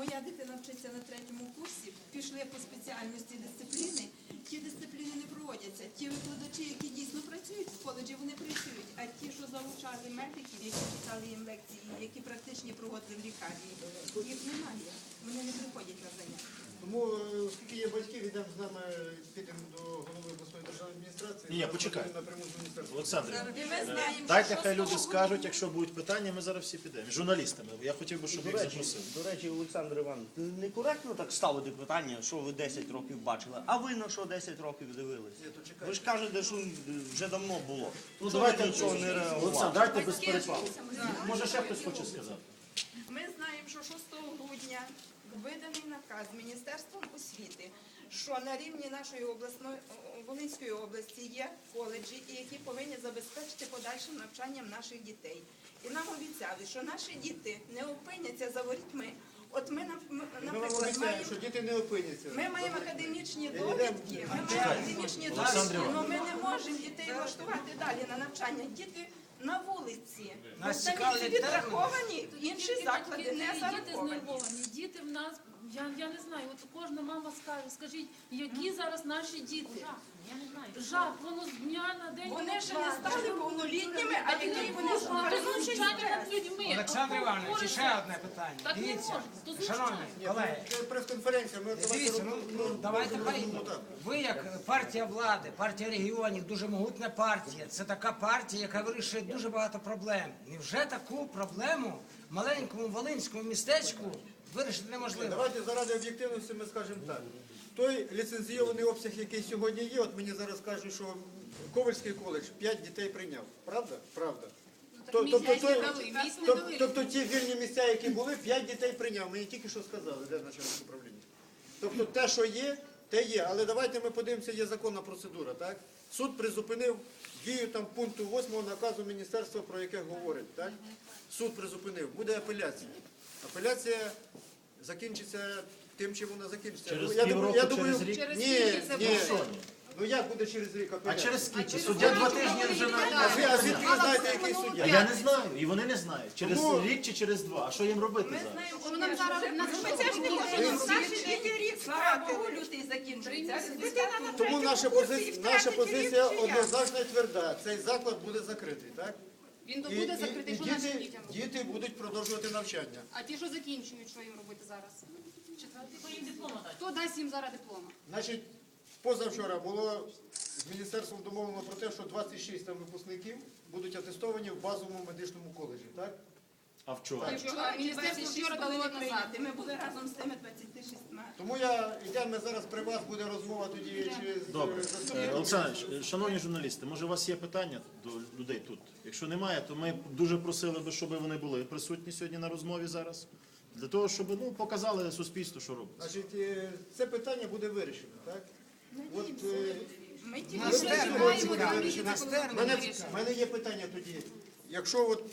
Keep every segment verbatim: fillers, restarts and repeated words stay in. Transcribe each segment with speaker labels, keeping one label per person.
Speaker 1: моя дитина вчиться на третьому курсі, пішли по спеціальності дисципліни, ті дисципліни не проводяться. Ті викладачі, які дійсно працюють в коледжі, вони працюють, а ті, що залучали медиків, які читали їм лекції, які практичні проводили в лікарні, їх немає. Вони не приходять на заняття.
Speaker 2: Тому, оскільки є батьки, йдемо з нами, підемо до голови обласної державної адміністрації.
Speaker 3: Ні, почекай.
Speaker 2: Напряму з міністерства.
Speaker 3: Олександр,
Speaker 1: І ми знаємо,
Speaker 3: дайте
Speaker 1: що
Speaker 3: хай люди
Speaker 1: шостого
Speaker 3: скажуть,
Speaker 1: грудня-
Speaker 3: якщо будуть питання, ми зараз всі підемо. З журналістами. Я хотів би, щоб
Speaker 4: До
Speaker 3: їх
Speaker 4: речі,
Speaker 3: запросили.
Speaker 4: до речі, Олександр Іванович, некоректно так ставити питання, що ви десять років бачили, а ви на що десять років дивились? Ви ж кажете, що вже давно було.
Speaker 3: Ну,
Speaker 4: Що
Speaker 3: давайте
Speaker 4: ви нічого не реагували?
Speaker 3: Олександр, давайте без перепалу. Може, ще хтось хоче сказати?
Speaker 1: Ми знаємо, що шостого грудня виданий наказ Міністерством освіти, що на рівні нашої обласної Волинської області є коледжі, які повинні забезпечити подальшим навчанням наших дітей. І нам обіцяли, що наші діти не опиняться за ворітьми. От ми,
Speaker 2: Ми вам
Speaker 1: наприклад,
Speaker 2: обіцяємо,
Speaker 1: маємо,
Speaker 2: що діти не опиняться.
Speaker 1: ми маємо академічні довідки, ми маємо академічні
Speaker 3: Олександр
Speaker 1: довідки, але
Speaker 3: Іванович.
Speaker 1: ми не можемо дітей влаштувати далі на навчання. Діти на вулиці.
Speaker 5: Нас
Speaker 1: Самі
Speaker 5: цікавлять
Speaker 1: підраховані, інші
Speaker 6: Тільки-
Speaker 1: заклади
Speaker 6: тільки
Speaker 1: не
Speaker 6: Діти
Speaker 1: зараховані.
Speaker 6: знервовані. Діти в нас, я, я не знаю, от кожна мама скаже, скажіть, які зараз наші діти?
Speaker 7: Я не знаю.
Speaker 6: Жах, воно з дня на день.
Speaker 1: Вони ще не стали повнолітніми, а які вони ж
Speaker 6: знущання
Speaker 1: переносять
Speaker 6: над
Speaker 1: стрес.
Speaker 6: людьми.
Speaker 5: Олександр
Speaker 6: От
Speaker 5: Іванович,
Speaker 6: говориться,
Speaker 5: ще одне питання.
Speaker 6: Так не
Speaker 5: Дивіться,
Speaker 6: можна, то знущання.
Speaker 5: шановні
Speaker 2: Ні,
Speaker 5: колеги,
Speaker 2: це прес-конференція. Ми давайте
Speaker 5: дивіться, ну,
Speaker 2: роб-
Speaker 5: ну
Speaker 2: роб-
Speaker 5: давайте
Speaker 2: робимо
Speaker 5: поїдемо.
Speaker 2: так.
Speaker 5: Ви як партія влади, партія регіонів, дуже могутня партія. Це така партія, яка вирішує дуже багато проблем. Невже таку проблему в маленькому волинському містечку вирішити неможливо?
Speaker 2: Давайте заради об'єктивності ми скажемо так. Той ліцензійований обсяг, який сьогодні є, от мені зараз кажуть, що Ковальський коледж п'ять дітей прийняв. Правда? Правда. То- Тобто, той- тоб- тобто ті вільні місця, які були, п'ять дітей прийняв. Мені тільки що сказали, де начальник управління. Тобто те, що є, те є. Але давайте ми подивимося, є законна процедура. Так? Суд призупинив дію там пункту восьмого наказу міністерства, про яке говорить. Так? Суд призупинив. Буде апеляція. Апеляція закінчиться тим, чим вона закінчиться.
Speaker 3: Через
Speaker 2: Ну, я
Speaker 3: півроку,
Speaker 2: думаю, я
Speaker 3: через
Speaker 2: думаю,
Speaker 3: рік?
Speaker 2: Ні, ні.
Speaker 3: Що ні?
Speaker 2: Ну як буде через рік
Speaker 3: А
Speaker 2: апеляція?
Speaker 3: через скільки? Суддя два тижні вже
Speaker 2: А
Speaker 3: на...
Speaker 2: ви- а звідки ви знаєте, який
Speaker 3: А
Speaker 2: суддя?
Speaker 3: я не знаю, і вони не знають. Через
Speaker 2: Тому-
Speaker 3: рік чи через два. А що їм робити
Speaker 1: Ми
Speaker 3: зараз?
Speaker 1: знаємо,
Speaker 7: Що нам зараз на
Speaker 1: ми це ж не можемо. Наші діти рік втратили. Лютий закінчується. Дитина на
Speaker 2: Тому
Speaker 1: третьому
Speaker 2: наша
Speaker 1: курсі
Speaker 2: позиція,
Speaker 1: і
Speaker 2: наша
Speaker 1: втратить
Speaker 2: позиція
Speaker 1: рік чи як?
Speaker 2: однозначно і тверда. Цей заклад буде закритий, так?
Speaker 7: Він то
Speaker 2: І,
Speaker 7: буде
Speaker 2: і,
Speaker 7: закритий,
Speaker 2: і
Speaker 7: що нашим
Speaker 2: діти,
Speaker 7: дітям робити?
Speaker 2: діти будуть продовжувати навчання.
Speaker 7: А ті, що закінчують, що їм робити зараз?
Speaker 6: Четвертий їм диплома дати.
Speaker 7: Хто дасть їм зараз диплома?
Speaker 2: Значить, позавчора було з міністерством домовлено про те, що двадцять шість там випускників будуть атестовані в базовому медичному коледжі, так?
Speaker 3: А вчора?
Speaker 7: Так, що, а міністерство вчора дало
Speaker 1: було
Speaker 7: назад.
Speaker 1: прийняти. Ми були разом з тими двадцятьма шістьма.
Speaker 2: Тому я, йдемо зараз при вас, буде розмова тоді чи з
Speaker 3: Добре. Е,
Speaker 2: заступником.
Speaker 3: Олександр, Іванович, шановні журналісти, може у вас є питання до людей тут? Якщо немає, то ми дуже просили би, щоб вони були присутні сьогодні на розмові зараз. Для того, щоб ну, показали суспільству, що робиться.
Speaker 2: Значить, е, це питання буде вирішено, так? От, е,
Speaker 1: Ми тільки
Speaker 5: Нас
Speaker 1: що
Speaker 5: термін
Speaker 1: знаємо,
Speaker 5: цікавий,
Speaker 1: коли ми
Speaker 5: нас
Speaker 1: їдемо.
Speaker 5: термін
Speaker 2: мене,
Speaker 5: цікавий.
Speaker 2: в мене є питання тоді. Якщо от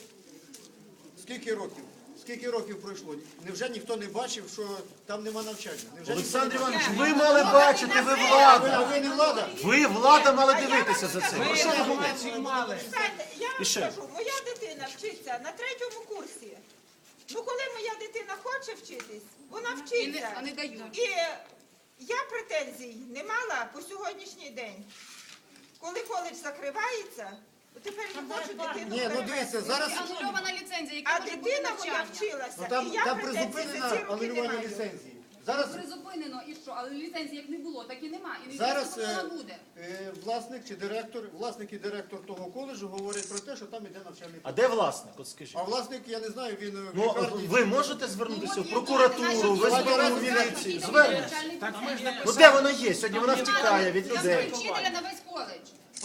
Speaker 2: скільки років? Скільки років пройшло? Невже ніхто не бачив, що там нема навчання? Невже
Speaker 3: Олександр
Speaker 2: ніхто не
Speaker 3: Іванович,
Speaker 2: бачив?
Speaker 3: ви мали бачити, ви
Speaker 2: А ви,
Speaker 3: влада.
Speaker 2: а ви не влада?
Speaker 3: Ви влада мали дивитися за цим.
Speaker 5: Ми
Speaker 3: Ну, що ви говорите?
Speaker 5: інформацію мали.
Speaker 8: Знаєте, я
Speaker 3: І
Speaker 8: вам
Speaker 3: ще.
Speaker 8: скажу, моя дитина вчиться на третьому курсі. Ну, коли моя дитина хоче вчитись, вона
Speaker 7: І не,
Speaker 8: вчиться.
Speaker 7: а не дають.
Speaker 8: І я претензій не мала по сьогоднішній день. Коли коледж закривається, то тепер не хочу дитину
Speaker 2: Ні, ну дивіться,
Speaker 8: перевести.
Speaker 2: зараз
Speaker 7: І анульована ліцензія, яка
Speaker 8: А
Speaker 7: може бути
Speaker 8: дитина моя
Speaker 7: навчання.
Speaker 8: вчилася,
Speaker 2: ну, там,
Speaker 8: і я
Speaker 2: там
Speaker 8: претензій за
Speaker 2: призупинено
Speaker 8: ці роки не
Speaker 2: анулювання
Speaker 8: маю.
Speaker 2: ліцензії. Зараз,
Speaker 7: Призупинено і що? Але ліцензії як не було, так і нема. І
Speaker 2: зараз
Speaker 7: неізвісно, коли
Speaker 2: е,
Speaker 7: вона буде.
Speaker 2: е, власник чи директор, власник і директор того коледжу говорять про те, що там іде навчальний
Speaker 3: А
Speaker 2: процес.
Speaker 3: де власник? От скажіть.
Speaker 2: А власник, я не знаю, він в
Speaker 3: Ну,
Speaker 2: лікарні
Speaker 3: ви
Speaker 2: чи-
Speaker 3: можете звернутися
Speaker 7: Ну,
Speaker 3: в
Speaker 7: от є
Speaker 3: прокуратуру,
Speaker 7: наші
Speaker 3: в
Speaker 7: діти,
Speaker 3: СБУ,
Speaker 2: разом
Speaker 3: в
Speaker 2: з
Speaker 3: міліцію?
Speaker 7: Діти
Speaker 3: Звернення.
Speaker 7: навчальний
Speaker 5: Так ми ж
Speaker 3: Ну де вона є? Сьогодні вона втікає від
Speaker 7: Я
Speaker 3: людей.
Speaker 7: знаю вчителя на весь коледж.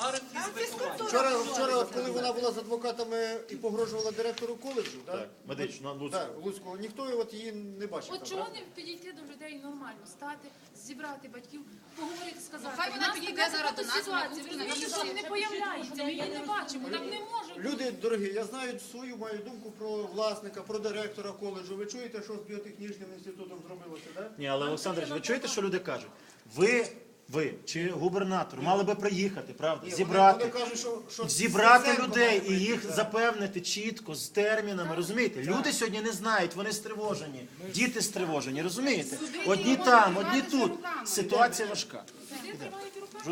Speaker 2: Вчора, вчора, от коли вона була з адвокатами і погрожувала директору коледжу,
Speaker 3: Так,
Speaker 2: так?
Speaker 3: медично, на Луцьку.
Speaker 2: Так, Луцького, ніхто от її не бачив.
Speaker 6: От
Speaker 2: там,
Speaker 6: чого
Speaker 2: правда?
Speaker 6: не підійти до людей нормально, стати, зібрати батьків, поговорити, сказати.
Speaker 7: Ну, хай вона
Speaker 6: «У нас
Speaker 7: підійде
Speaker 6: така
Speaker 7: зараз до нас,
Speaker 6: ситуація,
Speaker 7: на
Speaker 6: ви
Speaker 7: вулицю,
Speaker 6: розумієте,
Speaker 7: на
Speaker 6: що
Speaker 7: вулицю.
Speaker 6: не появляється, ми її не бачимо, так не може бути.
Speaker 2: Люди дорогі, я знаю свою мою думку про власника, про директора коледжу. Ви чуєте, що з біотехнічним інститутом зробилося, так?
Speaker 3: Ні, але Олександр, ви чуєте, що люди кажуть? Ви ви чи губернатор мали би приїхати, правда?
Speaker 2: Ні, вони-
Speaker 3: Зібрати.
Speaker 2: вони кажуть, що- що
Speaker 3: Зібрати
Speaker 2: Стеценко
Speaker 3: людей
Speaker 2: має
Speaker 3: і
Speaker 2: прийти,
Speaker 3: їх
Speaker 2: так.
Speaker 3: запевнити чітко, з термінами, розумієте? Люди сьогодні не знають, вони стривожені, діти стривожені, розумієте? Одні там, одні тут. Ситуація важка.
Speaker 6: Люди тримають в руках.